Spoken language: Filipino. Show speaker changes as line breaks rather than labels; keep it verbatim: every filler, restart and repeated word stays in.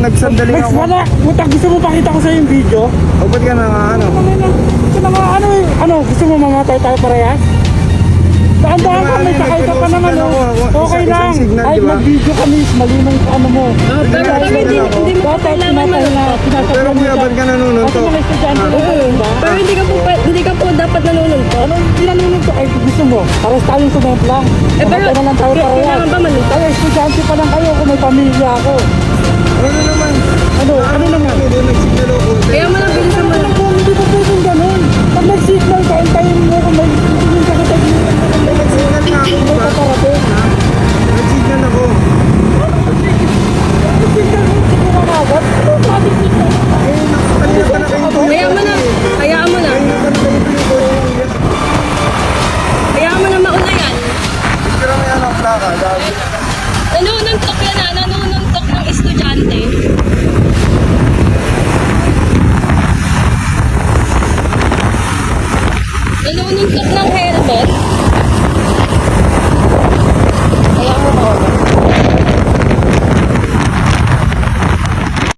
nagsandaling
Next
ako.
wala. Mutak, gusto mo pakita ko sa yung video?
O ba't ka na nga ano?
Ito na nga, ano eh. Ano, gusto mo mamatay tayo parehas? Dahan-dahan ka, may sakay ka pa naman oh. Okay lang. Ay, mag-video kami, malinong ano mo.
Pero pero hindi, hindi mo pa kailangan manuntok.
Pero kuya, ba't ka nanunod
Kasi
to?
mga estudyante na
Oo.
ba?
Pero hindi ka po, pa- hindi ka po dapat nanununtok.
Ano, tinanunod ko, ay gusto mo, pares tayong sumempla.
Eh, pero-
Mamatay na lang tayo
kaya-
parehas.
kailangan ba manuntok?
Kaya estudyante pa lang kayo kung may pamilya ako.
Ano naman?
Ano, ano naman?
Ano doon nagsignal ako?
Kaya mo lang bilisan mo lang.
Kung hindi ko pwedeng ganun. Pag nag-signal ka, antayin mo kung may tingin ka sa technique.
Nagsignal nga ako,
Hindi
di
ka
ba?
parating.
Nagsignal ako.
Nag-signal mo, siguro agad. Ano, traffic signal?
Eh, kanina pa nakaintay.
Hayaan mo na. Hayaan mo na.
Kanina pa nakaintay ko yung kuya.
Hayaan mo na mauna yan.
Pero may ano ang plaka, gabi.
Nanununtok yan ah. Nanununtok ng estudyante. Nanununtok ng helmet.